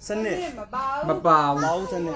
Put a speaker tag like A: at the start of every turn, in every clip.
A: စနစ်
B: မပါဘူး
A: မောင်းစနစ်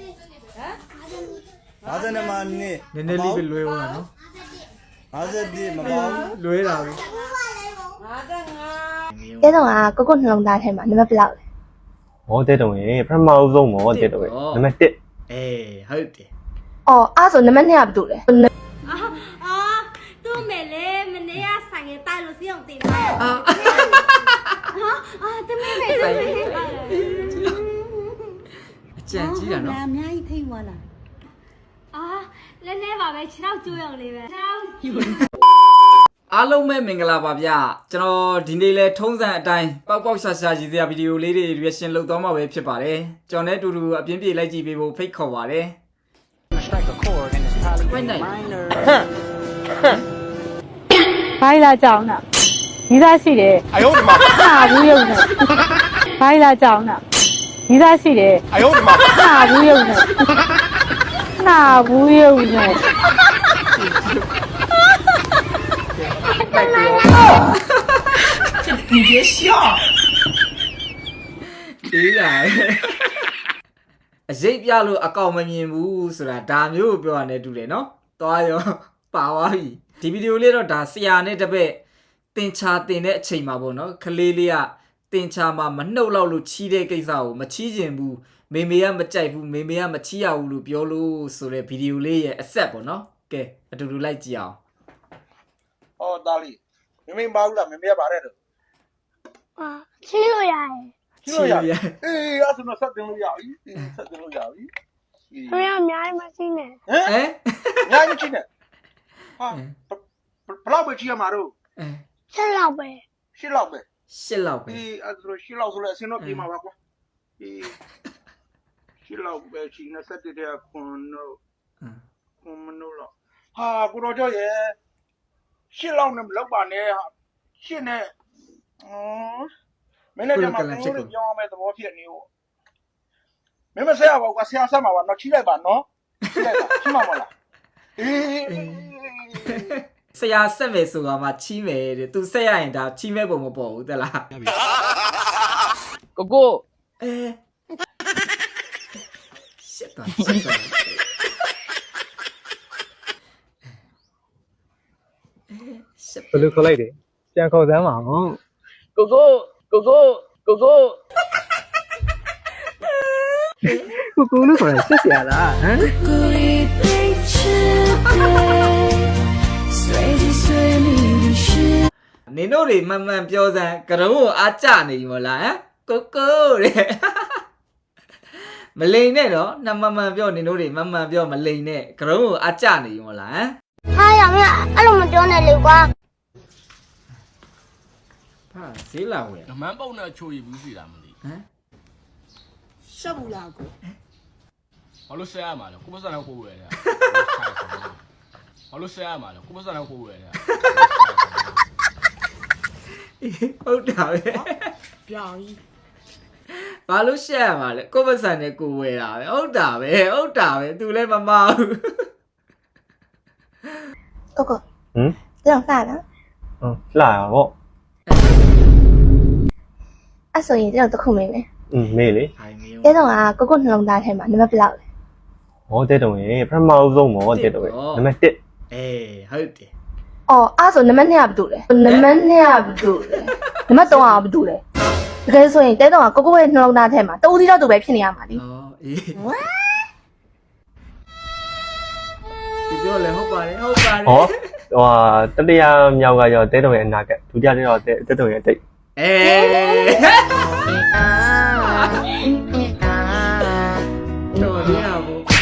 A: 50နဲ့မှနေ
B: နည်းနည်းလေးပဲလွဲသွားတာနော်
A: 50မမောင်း
B: လွဲတာပဲ
C: တဲတော့ကကိုနှလုံးသားထဲမှာနံပါတ်ဘယ်လောက်လဲ
D: ဟောတဲ့တုံးရေပထမဆုံးမောတဲ့တုံးရေနံပါတ်1
B: အေးဟုတ်တယ်
C: အော်အဲ့ဆိုနံပါတ်2ကဘာတူလဲ
E: သူ့မေလေမနေ့ကဆိုင်ရတိုက်လို့စီအောင်တင်တာတမင်းမေဆိုင်
B: အကြံကြီးတာနော်
E: အများကြီးထိတ်သွားလားလဲနေပါပဲခြေထောက်ကျိုးရုံလေးပဲခြေထောက်
B: အားလုံးပဲမင်္ဂလာပါဗျကျွန်တော်ဒီနေ့လဲထုံးစံအတိုင်းပေါက်ပေါက်ရှာရှာရည်စရာဗီဒီယိုလေးတွေ reaction လုပ်သွားမှာပဲဖြစ်ပါတယ်ကျွန်တော်နဲ့အတူတူအပြင်းပြေလိုက်ကြည့်ပေးဖို့ဖိတ်ခေါ်ပါတယ်ဝိုင်းနိုင်
F: ဘာလာကြောင်းတာညီသားရှိတယ်အယုံဒီမှာဟာဘူးရုံနဲ့ဘာလာကြောင်းတာညီသားရှိတယ်အယုံဒီမှာဟာဘူးရုံနဲ့ဟာဘူးရုံနဲ့
B: အေးလာအစိတ်ပြလို့အကောင်မမြင်ဘူးဆိုတာဒါမျိုးကိုပြောရတဲ့တူတယ်နော်သွားရောပါသွားပြီဒီဗီဒီယိုလေးတော့ဒါဆရာနဲ့တပည့်တင်ချာတင်တဲ့အချိန်မှာပေါ့နော်ခလေးလေးကတင်ချာမှာမနှုတ်လောက်လို့ချီးတဲ့ကိစ္စကိုမချီးကျင်ဘူးမေမေကမကြိုက်ဘူးမေမေကမချီးရဘူးလို့ပြောလို့ဆိုတဲ့ဗီဒီယိုလေးရဲ့အဆက်ပေါ့နော်ကဲအတူတူလိုက်ကြည့်အောင်
G: ဟောသားလေးမမေမပါဘူးလားမမေကပါတဲ့တော့
C: ချင်းလို့ရတယ်
G: ကြည့်လို့ရအေးအဲ့ဆိုတော့ဆက်တင်လို့ရပြီဆက်တင်လို့ရပြီ
C: သူရအများကြီးမရှိနဲ့
G: ဟမ်
B: ဟမ်
G: ညာမချင်းနဲ့ဟာဘလောက်ပဲကြည့်ရမှာတော့
C: ချက်လောက်ပဲ
G: ရှစ်လောက်ပဲ
B: ရှစ်လောက်ပဲ
G: အေးအဲ့ဆိုရှစ်လောက်ဆိုလဲအစင်းတော့ပြေးမှာပါကွာအေးရှစ်လောက်ပဲရှိနေဆက်တဲ့ခွန်တော့ခွန်မလို့တော့ဟာကိုတော်ကျော်ရဲ့ရှစ်လောက်နဲ့မလောက်ပါနဲ့ဟာရှစ်နဲ့မင်းလည်းကြမှာကိုလို့ပြောင်းမယ်သဘောဖြစ်နေဦးမင်းမဆက်ရပါဘူးကွာဆရာဆက်မှာပါတော့ချိလိုက်ပါနော်ချိလိုက်ပါချိမှာမလားအေး
B: ဆရာဆက်မယ်ဆိုတာမှချီးမယ်တဲ့သူဆက်ရရင်ဒါချီးမဲ့ပုံမပေါ်ဘူးတဲ့လား
H: ကိုကို
B: အဲရှစ်တော့ရှစ်တော့ရှစ်
D: ဘယ်လိုခေါ်လိုက်တယ်ပြန်ခေါ်စမ်းပါဦး
H: ကိုကိုကိုကိုကိုကို
D: ကိုကိုလို့ခေါ်ရဆက်ရလားဟမ်
B: နင်တို့တွေမှန်မှန်ပြောစမ်းကရုံးကိုအားကြနေပြီမလားဟမ်ကိုကိုတဲ့မလိန်နဲ့တော့နမမှန်ပြောနင်တို့တွေမှန်မှန်ပြောမလိန်နဲ့ကရုံးကိုအားကြနေပြီမလားဟမ်
C: ဟာရမင်းအဲ့လိုမပြောနဲ့လေကွာ
B: ဟာဈေးလာဝင်
H: ဓမန်းပုံနဲ့ချိုးရဘူးစီတာမသိ
B: ဟမ်
H: ရှက်ဘူးလားကိုဘာလို့ဆဲရမှာလဲကိုပစံတော့ကိုဝယ်တယ်ဘာလို့ဆဲရမှာလဲကိုပစံတော့ကိုဝယ်တယ်
B: ဟုတ်တာပဲ
H: ပြောင်းကြီး
B: ဘာလို့ရှက်ရမှာလဲကိုယ့်ပစံနဲ့ကိုယ်ဝယ်တာပဲဟုတ်တာပဲသူလည်းမမဘူး
C: ကိုကို
D: ဟမ်
C: ကြောက်စားနော်
D: လှရပေါ့
C: အဲ့ဆိုရင်ကျွန်တော်တခုမေးမယ်
D: မေးလေ
B: ဟိုင်မျိုး
C: တဲတော့ကနှလုံးသားထဲမှာနံပါတ်ဘယ်လောက်လဲ
D: ဟောတဲ့တုံးရေပထမဆုံးမောတဲ့တုံးရေနံပါတ်1
B: အေးဟုတ်တယ်
C: အော်အဲ့ဆိုနံပါတ်2ကဘာတူလဲနံပါတ်2ကဘာတူလဲနံပါတ်3ကဘာတူလဲတကယ်ဆိုရင်တဲတော့ကိုရဲ့နှလုံးသားထဲမှာတူတီတော့တူပဲဖြစ်နေရမှာလी
B: อ๋อအေးဒီပြောလဲဟုတ်ပါတယ်
D: ဟောဟိုတတိယမြောက်ကရောတဲ့တုံးရေအနာကဒုတိယတဲ့တော့တဲ့တုံးရေအတိတ်
B: အေးတော့ဒီအောင်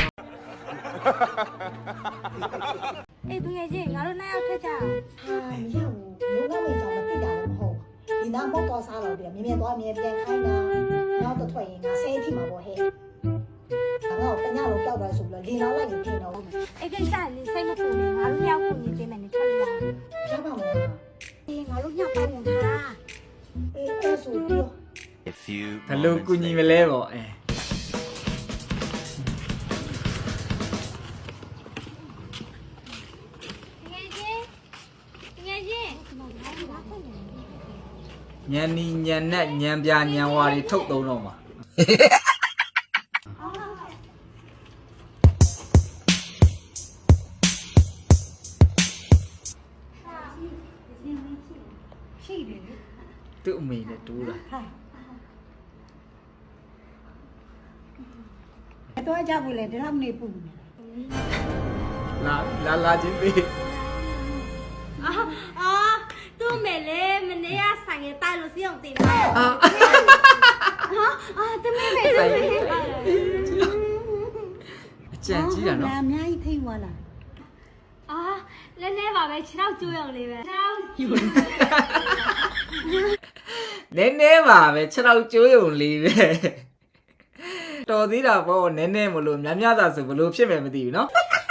E: အေးသူငယ်ချင်းငါတို့နိုင်အောင်ထက်ကြအောင်
I: မရဘူးလုံးဝဝင်ဆောင်မသိတာလည်းမဟုတ်ဒီနာမောက်တော့စားတော့ပြန်မြင်သွားမြင်ပြန်ခိုင်းတာနောက်တော့ထွက်ရင်ငါဆဲထိမှာပေါ့ဟဲ့ငါတော့တညလုံးကြောက်ပါဆိုပြီးတော့လေလောက်လိုက်ရင်ပြင်တော့
E: အေးကိစ္စလေးစိတ်မပူနဲ့ငါတို့ရောက်ခုနေပေးမယ်နေထွက်လာ
I: ရပါမလား
E: အေးငါတို့ညောက်ပေါင်းနေတာ
I: အေးအဲ့ဆိုပြော
B: ဘယ်လိုကူညီမလဲပေါ့အဲ
E: ငယ်ချင်းငယ်ချင်း
B: ညံနီညံနဲ့ညံပြညံဝါတွေထုတ်သုံးတော့မှာ
D: ဟ
B: သူ့အမေနဲ့တူးတာ
I: တော့ကြဘူးလေဒီလောက်နေပူနေ
B: လာချင်းသေး
E: အာသူ့မေလေမနေ့ကဆိုင်ရတိုက်လို့စီအောင်တင်တာ
B: အာ
E: အာတမင်းမေ
B: ဆိုင်အကြံကြီးတာနော်
I: အများကြီးထိသွားလား
E: အာလည်းနေပါပဲခြေထောက်ကျိုးရုံလေးပဲခြေထောက်
B: နည်းနည်းပါပဲ6တော့ကျိုးရုံလေးပဲတော်သေးတာပေါ့နည်းနည်းမလို့များများသာဆိုဘလို့ဖြစ်မယ်မသိဘူးနော်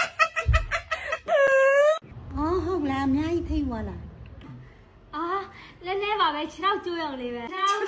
I: အော်ဟုတ်လားအများကြီးထိသွားလား
E: အာလည်းနေပါပဲခြေထောက်ကျိုးရုံလေးပဲခြေထောက်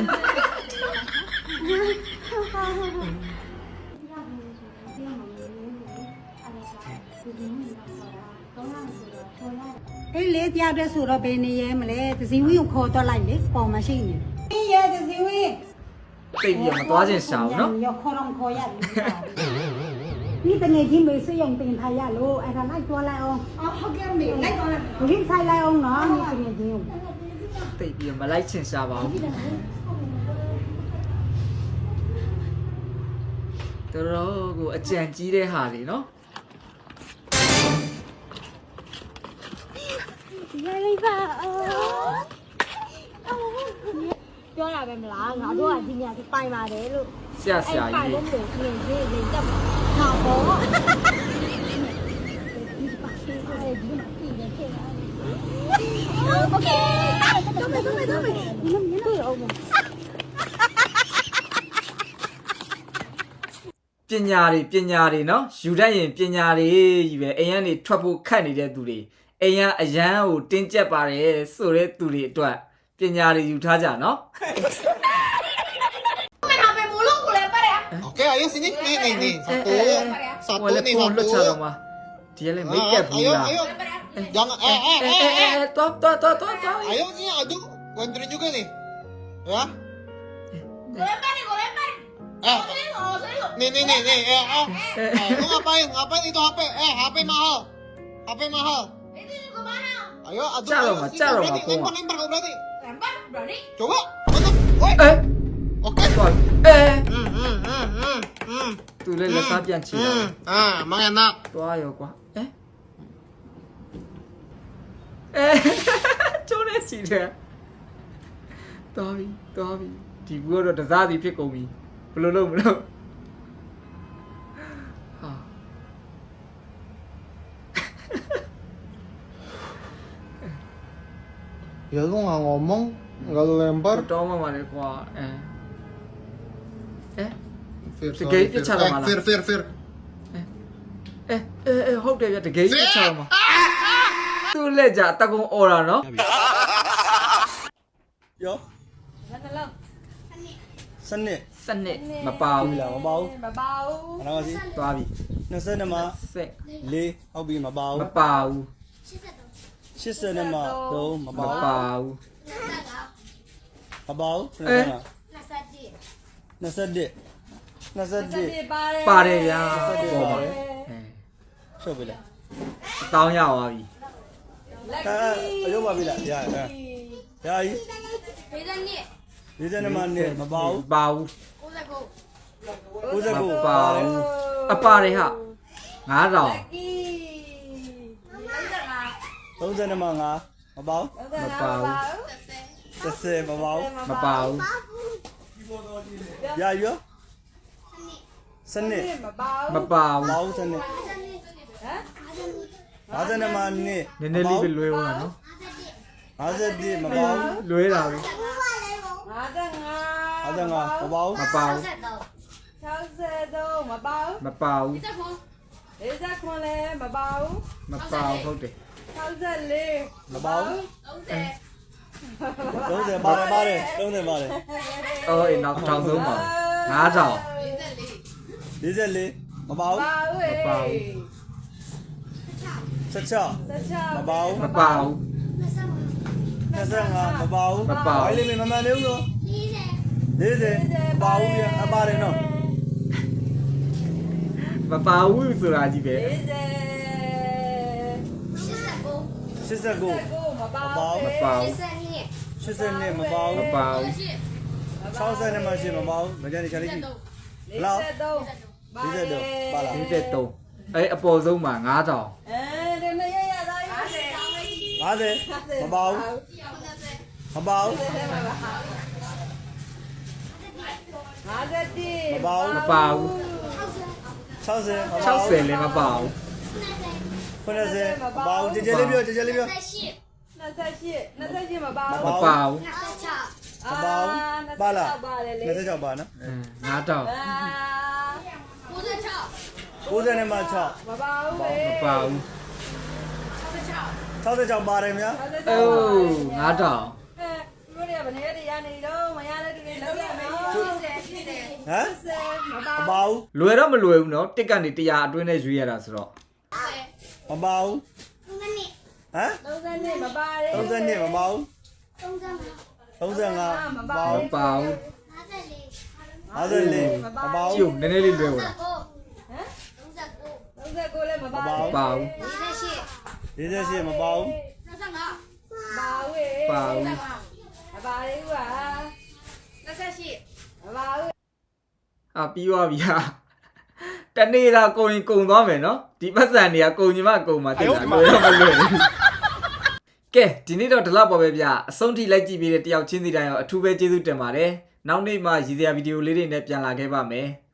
I: အေးလေတရားတဲ့ဆိုတော့ဘယ်နေရဲမလဲသစီဝင်းကိုခေါ်တော့လိုက်လေပေါ်မရှိနေအေးရဲသစီဝင်း
B: တိတ်ပြီးမသွားခြင်းရှာဘူးနော်
I: ရောခေါ်တော့ခေါ်ရတယ်ဒီတနေ့ချင်းမေးစရုံတင်ထားရလို့အဲ့ဒါလိုက်သွားလိုက်အောင်အော်ဟုတ်ကဲ့မေလိုက်သွားလိုက်ဒီဆိုင်လိုက်အောင်နော်ဒီတနေ့ချင်း
B: တိတ်ပြီးမလိုက်ချင်ရှာပါဘူးတော်တော်ကိုအကြံကြီးတဲ့ဟာလေနော်
E: ရိုက်လိုက်ပါပြောရပဲမလားငါတို့ကဒီညဒီပိုင်ပါတယ်လို့
B: ဆရာဆရာ
E: ပိုင်
B: ကြီး
E: လို့မလို့ပြင်ပြင်တက်မှာပေါ့โอเคတော့မယ်ဒီလိုမျိုးအောင်
B: ပညာတွေနော်ယူတတ်ရင်ပညာတွေကြီးပဲအိမ်ကနေထွက်ဖို့ခက်နေတဲ့သူတွေအိမ်ကအရန်ကိုတင်းကျပ်ပါတယ်ဆိုတဲ့သူတွေအတွက်ပညာတွေယူထားကြနော်
J: Oke, ayo sini. Nih. Satu
B: ဟိုလည်း
J: nih,
B: ပုံလွတ်ချ
J: satu.
B: တော့မှာဒီကလည်းမိတ်ကပ်ဘူး
J: Ayo,
B: လား
J: ayo. Jangan,
B: တော့
J: ayo sini, aduh. Gue anterin juga nih. Ya. Nih. Lu ngapain? Ngapain itu HP? HP mahal. HP mahal. Ayo, aduh.
B: Caro,
J: Ayo,
B: Ma,
J: sini,
B: caro,
J: berani.
B: Ma, Poma.
J: Lempar, kau berani. Coba. Mana? Woi.
B: အဲ
J: Oke.
B: တော့အဲသူလည်းလက်စားပြန်ချီတာ
J: Emang enak.
B: သွားရောကွာအဲကျိုးနေချီတယ်တော်ပြီဒီဘူးကတော့တစားစီဖြစ်ကုန်ပြီဘယ်လိုလုပ်မလို့ဟာ
J: Ya lu nggak ngomong, nggak lu lempar.
B: တောင်းမှပါလေကွာအဲ
J: Fir,
B: Tiga
J: sorry,
B: itu
J: Fir.
B: cara malah.
J: Fir.
B: ဟုတ်တယ်ဗျတကယ်ကြီးချောင်းမှာသူ့လက်ကြတကုံអော်တာနော်
A: ရောစနစ်
B: စနစ်မပါဘူး
A: လားမပါဘူးမပါဘူးအဲ့ဒါစီ
B: သွားပြီ
A: 22မှာ
B: စက်
A: 4ဟုတ်ပြီမပါ
B: မ
A: ဘူး
B: ပါဘူး
A: 82မှာ3မ
B: မ
A: ပါဘူး
B: ပါဘူး
A: မပါဘူး
B: အဲ
A: 21
B: ပါတယ်ဗျာ
A: 21
B: ပေါ်
A: ပါ
B: ပါ
A: တယ်
B: အဲ
A: ချုပ်ပြီလား
B: တောင်းရသွားပြီ
A: အရုပ်ပါပြီလားရကြီး42မှာနေမပါဘူး
B: ပါဘူး
A: 99
B: မပါဘူးအပါတယ်ဟာ9000
A: 32မှာ5မပါဘူး
B: မပါဘူး
A: 30မပါဘူး
B: မပါဘူး
A: ရရောစနစ်
B: မပါ
A: မ
B: ဘူး
A: ပါဘူးစနစ်52မှာနေ
B: နည်းနည်းလေးပဲလွဲသွားတာနော်
A: 51မပါဘူး
B: လွဲတာပဲ
A: 55မပါဘူး
B: မပါဘူး
F: 63မပါဘူး
B: မပါဘူး
F: 49လည်းမပါဘူး
B: မပါဘူးဟုတ်တယ်
F: 64
A: မပါဘူး30ပါတယ်30ပါတယ်
B: အော်အေးနောက်ထောင်ဆုံးပါ9000
A: 44မပါဘူး
B: မပါဘူး
A: 16မပါဘူး
B: မပါဘူး
A: 25မပါဘူး
B: မပါဘူး
A: ဘာလေးမမှန်သေးဘူးနော် 40မပါဘူးဗျအပါတယ်နော်
B: မပါဘူးဆိုတာကြီးပဲ
A: 89မပါဘူး
B: မပါဘူး
A: 82မပါဘူး
B: မပါဘူး
A: 60နဲ့မှရှိမပါဘူးမကြမ်းနေချာလေးကြည့်လောက်43ပါလား
B: 53အဲ့အပေါ်ဆုံးမှာ9000
A: 50မပါဘူးမပါဘူးမပါဘူး
B: မပါဘူး
A: 60
B: 60လည်းမပါဘူး
A: 90မပါဘူးကြည်ကြလေးပြောကြည်ကြလေးပြော
B: မပါဘူး
A: မပါဘူးပါလား26ပါနော်
B: 9000
A: 90နဲ့မှ6
B: မပါဘူး
A: 66ပါတယ်ဗျာ
B: အိုး9000
A: ဟမ်မပါဘူး
B: လွယ်တော့မလွယ်ဘူးเนาะတစ်ကနေ100အတွင်းနဲ့ရွေးရတာဆိုတော့
A: မပါဘူးဟမ်32မပါဘူး35မပါဘူး
B: မပါဘူး
A: 54မပါဘူး
B: ကျုံနည်းနည်းလေးလွယ်ဝင်
A: မပါဘူး
B: ပါဘူး
A: 48မပါဘူး
B: ပါဘူးအာပြီးသွားပြီဟာတနေ့သာကုန်ရင်ကုန်သွားမယ်เนาะဒီပတ်စံတွေကကုန်ညီမကုန်မှာတင်တာလွယ်တော့မလွယ်ဘူးကဲဒီနေ့တော့ဒီလောက်ပါပဲဗျအဆုံးထိလိုက်ကြည့်ပြီးတဲ့တယောက်ချင်းစီတိုင်းရောအထူးပဲကျေးဇူးတင်ပါတယ်နောက်နေ့မှရည်စရာဗီဒီယိုလေးတွေနဲ့ပြန်လာခဲ့ပါမယ်